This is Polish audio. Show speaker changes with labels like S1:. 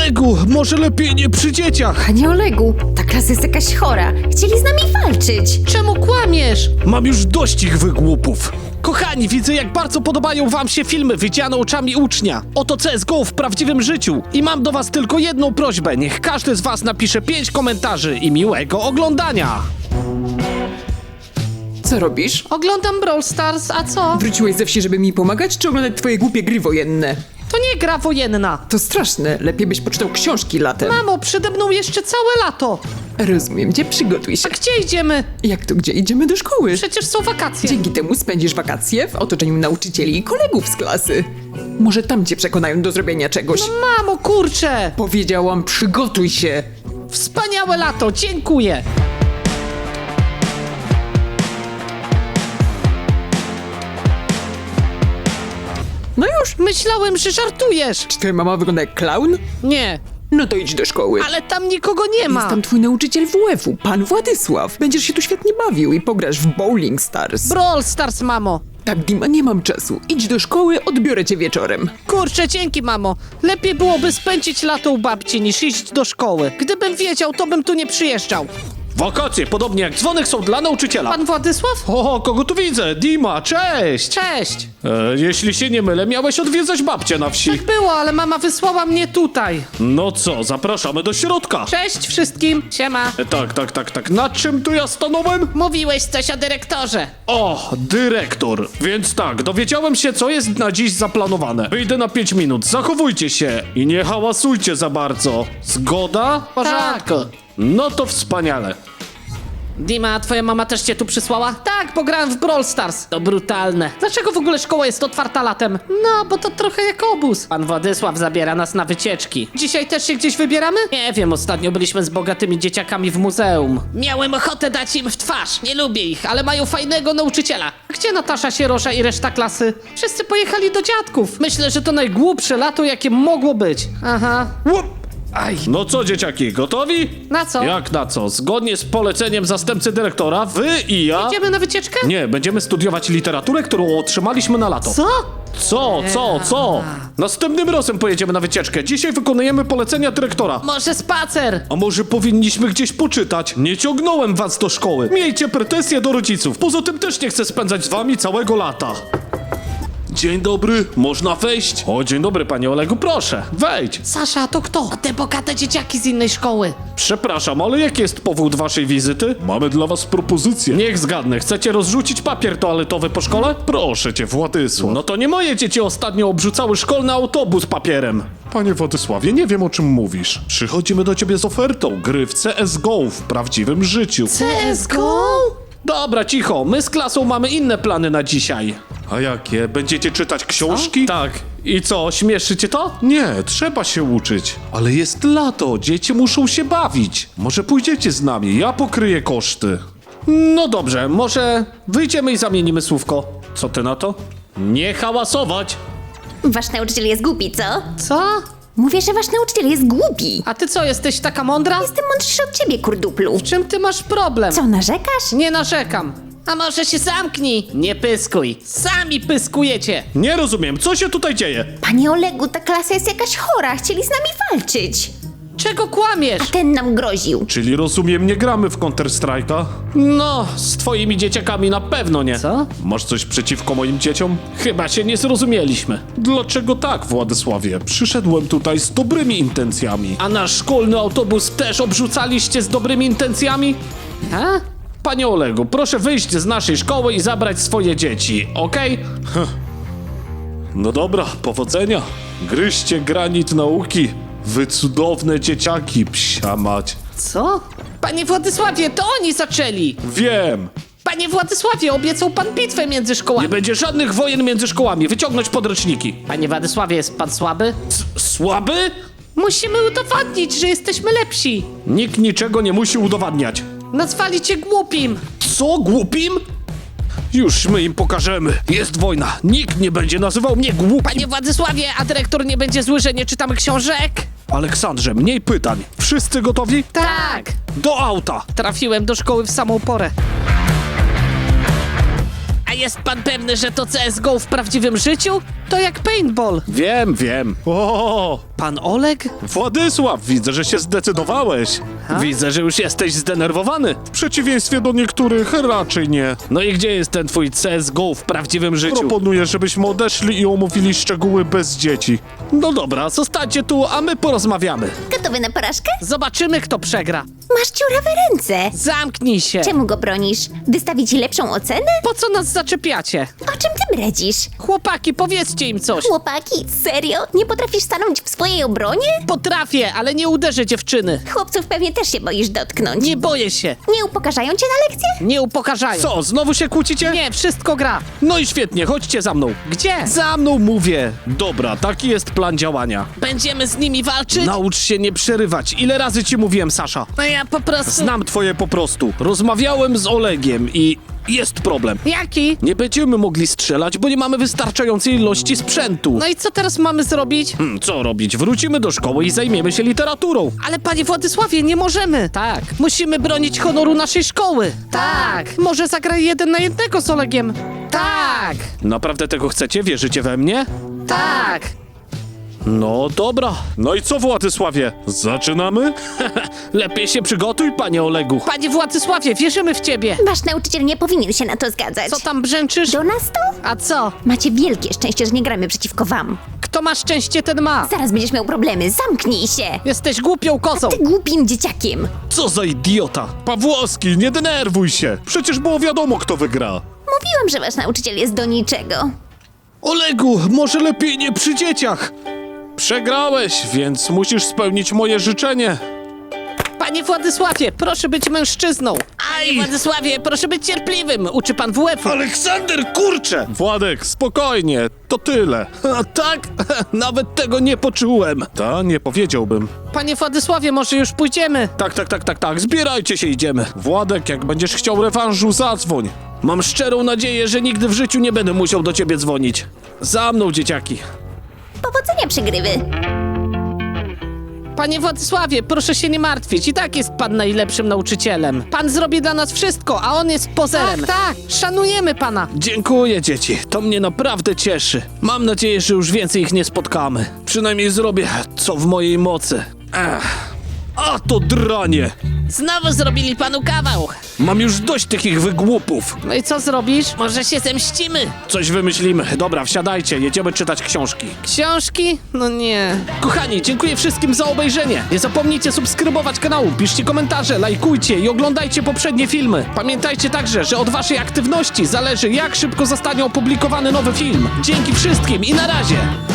S1: Olegu, może lepiej nie przy dzieciach.
S2: Panie Olegu, ta klasa jest jakaś chora. Chcieli z nami walczyć.
S3: Czemu kłamiesz?
S1: Mam już dość ich wygłupów. Kochani, widzę jak bardzo podobają wam się filmy widziane oczami ucznia. Oto CSGO w prawdziwym życiu. I mam do was tylko jedną prośbę. Niech każdy z was napisze 5 komentarzy i miłego oglądania.
S4: Co robisz?
S3: Oglądam Brawl Stars, a co?
S4: Wróciłeś ze wsi, żeby mi pomagać, czy oglądać twoje głupie gry wojenne?
S3: To nie gra wojenna.
S4: To straszne, lepiej byś poczytał książki latem.
S3: Mamo, przede mną jeszcze całe lato.
S4: Rozumiem cię, przygotuj się.
S3: A gdzie idziemy?
S4: Jak to gdzie? Idziemy do szkoły.
S3: Przecież są wakacje.
S4: Dzięki temu spędzisz wakacje w otoczeniu nauczycieli i kolegów z klasy. Może tam cię przekonają do zrobienia czegoś.
S3: Mamo, kurczę!
S4: Powiedziałam, przygotuj się.
S3: Wspaniałe lato, dziękuję.
S4: No już.
S3: Myślałem, że żartujesz.
S4: Czy twoja mama wygląda jak klaun?
S3: Nie,
S4: No to idź do szkoły.
S3: ale tam nikogo nie ma.
S4: Jest tam twój nauczyciel WF-u, pan Władysław. Będziesz się tu świetnie bawił i pograsz w Bowling Stars.
S3: Brawl Stars, mamo.
S4: Tak, Dima, nie mam czasu. Idź do szkoły, odbiorę cię wieczorem.
S3: Kurczę, dzięki, mamo. Lepiej byłoby spędzić lato u babci niż iść do szkoły. Gdybym wiedział, to bym tu nie przyjeżdżał.
S1: Wakacje, podobnie jak dzwonek, są dla nauczyciela.
S3: Pan Władysław?
S1: O, kogo tu widzę? Dima, cześć!
S3: Cześć.
S1: Jeśli się nie mylę, miałeś odwiedzać babcię na wsi.
S3: Tak było, ale mama wysłała mnie tutaj.
S1: No co, zapraszamy do środka.
S3: Cześć wszystkim. Siema.
S1: Tak. Na czym tu ja stanąłem?
S3: Mówiłeś coś o dyrektorze.
S1: O, dyrektor. Więc tak, dowiedziałem się, co jest na dziś zaplanowane. Wyjdę na 5 minut, zachowujcie się i nie hałasujcie za bardzo. Zgoda?
S3: W porządku.
S1: No to wspaniale.
S3: Dima, twoja mama też cię tu przysłała? Tak, bo grałem w Brawl Stars. To brutalne. Dlaczego w ogóle szkoła jest otwarta latem? No, bo to trochę jak obóz. Pan Władysław zabiera nas na wycieczki. Dzisiaj też się gdzieś wybieramy? Nie wiem, ostatnio byliśmy z bogatymi dzieciakami w muzeum. Miałem ochotę dać im w twarz. Nie lubię ich, ale mają fajnego nauczyciela. Gdzie Natasza Sierosza i reszta klasy? Wszyscy pojechali do dziadków. Myślę, że to najgłupsze lato, jakie mogło być. Aha.
S1: Łup. Aj. No co, dzieciaki, gotowi?
S3: Na co?
S1: Jak na co? Zgodnie z poleceniem zastępcy dyrektora, wy i ja...
S3: Idziemy na wycieczkę?
S1: Nie, będziemy studiować literaturę, którą otrzymaliśmy na lato.
S3: Co?
S1: Co? Następnym razem pojedziemy na wycieczkę. Dzisiaj wykonujemy polecenia dyrektora.
S3: Może spacer?
S1: A może powinniśmy gdzieś poczytać? Nie ciągnąłem was do szkoły. Miejcie pretensje do rodziców. Poza tym też nie chcę spędzać z wami całego lata. Dzień dobry, można wejść? O, dzień dobry, panie Olegu, proszę, wejdź.
S3: Sasza, to kto? To te bogate dzieciaki z innej szkoły.
S1: Przepraszam, ale jaki jest powód waszej wizyty? Mamy dla was propozycję. Niech zgadnę, chcecie rozrzucić papier toaletowy po szkole? Proszę cię, Władysław. No to nie moje dzieci ostatnio obrzucały szkolny autobus papierem. Panie Władysławie, nie wiem o czym mówisz. Przychodzimy do ciebie z ofertą gry w CSGO w prawdziwym życiu.
S3: CSGO?
S1: Dobra, cicho, my z klasą mamy inne plany na dzisiaj. A jakie? Będziecie czytać książki? Tak. I co, śmieszy cię to? Nie, trzeba się uczyć. Ale jest lato, dzieci muszą się bawić. Może pójdziecie z nami, ja pokryję koszty. No dobrze, może wyjdziemy i zamienimy słówko. Co ty na to? Nie hałasować!
S2: Wasz nauczyciel jest głupi, co?
S3: Co?
S2: Mówię, że wasz nauczyciel jest głupi.
S3: A ty co, jesteś taka mądra?
S2: Jestem mądrzejszy od ciebie, kurduplu.
S3: W czym ty masz problem?
S2: Co, narzekasz?
S3: Nie narzekam. A może się zamknij? Nie pyskuj. Sami pyskujecie.
S1: Nie rozumiem, co się tutaj dzieje?
S2: Panie Olegu, ta klasa jest jakaś chora. Chcieli z nami walczyć.
S3: Czego kłamiesz?
S2: A ten nam groził.
S1: Czyli rozumiem, nie gramy w Counter-Strike'a? No, z twoimi dzieciakami na pewno nie.
S3: Co?
S1: Masz coś przeciwko moim dzieciom? Chyba się nie zrozumieliśmy. Dlaczego tak, Władysławie? Przyszedłem tutaj z dobrymi intencjami. A nasz szkolny autobus też obrzucaliście z dobrymi intencjami?
S3: A?
S1: Panie Olegu, proszę wyjść z naszej szkoły i zabrać swoje dzieci, okej? No dobra, powodzenia. Gryźcie granit nauki. Wy cudowne dzieciaki, psia mać.
S3: Co? Panie Władysławie, to oni zaczęli.
S1: Wiem.
S3: Panie Władysławie, obiecał pan bitwę między
S1: Nie
S3: szkołami.
S1: będzie żadnych wojen między szkołami. Wyciągnąć podręczniki.
S3: Panie Władysławie, jest pan słaby?
S1: Słaby?
S3: Musimy udowodnić, że jesteśmy lepsi.
S1: Nikt niczego nie musi udowadniać.
S3: Nazwali cię głupim.
S1: Co, głupim? Już my im pokażemy. Jest wojna. Nikt nie będzie nazywał mnie głupim.
S3: Panie Władysławie, a dyrektor nie będzie zły, że nie czytamy książek?
S1: Aleksandrze, mniej pytań. Wszyscy gotowi?
S3: Tak.
S1: Do auta.
S3: Trafiłem do szkoły w samą porę. A jest pan pewny, że to CSGO w prawdziwym życiu? To To jak paintball.
S1: Wiem. O,
S3: Pan Oleg?
S1: Władysław, widzę, że się zdecydowałeś. Widzę, że już jesteś zdenerwowany. W przeciwieństwie do niektórych raczej nie. No i gdzie jest ten twój CSGO w prawdziwym życiu? Proponuję, żebyśmy odeszli i omówili szczegóły bez dzieci. No dobra, zostańcie tu, a my porozmawiamy.
S2: Gotowy na porażkę?
S3: Zobaczymy, kto przegra.
S2: Masz dziurawe ręce.
S3: Zamknij się.
S2: Czemu go bronisz? Wystawić ci lepszą ocenę?
S3: Po co nas zaczepiacie?
S2: O czym ty bredzisz?
S3: Chłopaki, powiedzcie im coś.
S2: Chłopaki, serio? Nie potrafisz stanąć w swojej obronie?
S3: Potrafię, ale nie uderzę dziewczyny.
S2: Chłopców pewnie też się boisz dotknąć.
S3: Nie boję się.
S2: Nie upokarzają cię na lekcje?
S3: Nie upokarzają.
S1: Co, znowu się kłócicie?
S3: Nie, wszystko gra.
S1: No i świetnie, chodźcie za mną.
S3: Gdzie?
S1: Za mną mówię. Dobra, taki jest plan działania.
S3: Będziemy z nimi walczyć?
S1: Naucz się nie przerywać. Ile razy ci mówiłem, Sasza?
S3: No ja po prostu...
S1: Znam twoje po prostu. Rozmawiałem z Olegiem i jest problem.
S3: Jaki?
S1: Nie będziemy mogli strzelać, bo nie mamy wystarczającej ilości sprzętu.
S3: No i co teraz mamy zrobić?
S1: Co robić? Wrócimy do szkoły i zajmiemy się literaturą.
S3: Ale panie Władysławie, nie możemy. Tak. Musimy bronić honoru naszej szkoły. Tak. Może zagraj 1 na 1 z Olegiem. Tak.
S1: Naprawdę tego chcecie? Wierzycie we mnie?
S3: Tak.
S1: No dobra. No i co, Władysławie? Zaczynamy? Lepiej się przygotuj, panie Olegu.
S3: Panie Władysławie, wierzymy w ciebie.
S2: Wasz nauczyciel nie powinien się na to zgadzać.
S3: Co tam brzęczysz?
S2: Do nas to?
S3: A co?
S2: Macie wielkie szczęście, że nie gramy przeciwko wam.
S3: Kto ma szczęście, ten ma.
S2: Zaraz będziesz miał problemy, zamknij się!
S3: Jesteś głupią kozą.
S2: Ty głupim dzieciakiem!
S1: Co za idiota. Pawłowski, nie denerwuj się. Przecież było wiadomo, kto wygra.
S2: Mówiłam, że wasz nauczyciel jest do niczego.
S1: Olegu, może lepiej nie przy dzieciach. Przegrałeś, więc musisz spełnić moje życzenie.
S3: Panie Władysławie, proszę być mężczyzną. Panie Władysławie, proszę być cierpliwym. Uczy pan WF-u.
S1: Aleksander, kurczę! Władek, spokojnie, to tyle. A tak? Nawet tego nie poczułem. Nie powiedziałbym.
S3: Panie Władysławie, może już pójdziemy?
S1: Tak, zbierajcie się, idziemy. Władek, jak będziesz chciał rewanżu, zadzwoń. Mam szczerą nadzieję, że nigdy w życiu nie będę musiał do ciebie dzwonić. Za mną, dzieciaki.
S2: Powodzenia przegrywy!
S3: Panie Władysławie, proszę się nie martwić. I tak jest pan najlepszym nauczycielem. Pan zrobi dla nas wszystko, a on jest pozerem. Tak. Szanujemy pana.
S1: Dziękuję, dzieci. To mnie naprawdę cieszy. Mam nadzieję, że już więcej ich nie spotkamy. Przynajmniej zrobię, co w mojej mocy. A to dranie!
S3: Znowu zrobili panu kawał.
S1: Mam już dość tych ich wygłupów.
S3: No i co zrobisz? Może się zemścimy.
S1: Coś wymyślimy. Dobra, wsiadajcie, jedziemy czytać książki.
S3: Książki? No nie.
S1: Kochani, dziękuję wszystkim za obejrzenie. Nie zapomnijcie subskrybować kanału, piszcie komentarze, lajkujcie i oglądajcie poprzednie filmy. Pamiętajcie także, że od waszej aktywności zależy, jak szybko zostanie opublikowany nowy film. Dzięki wszystkim i na razie!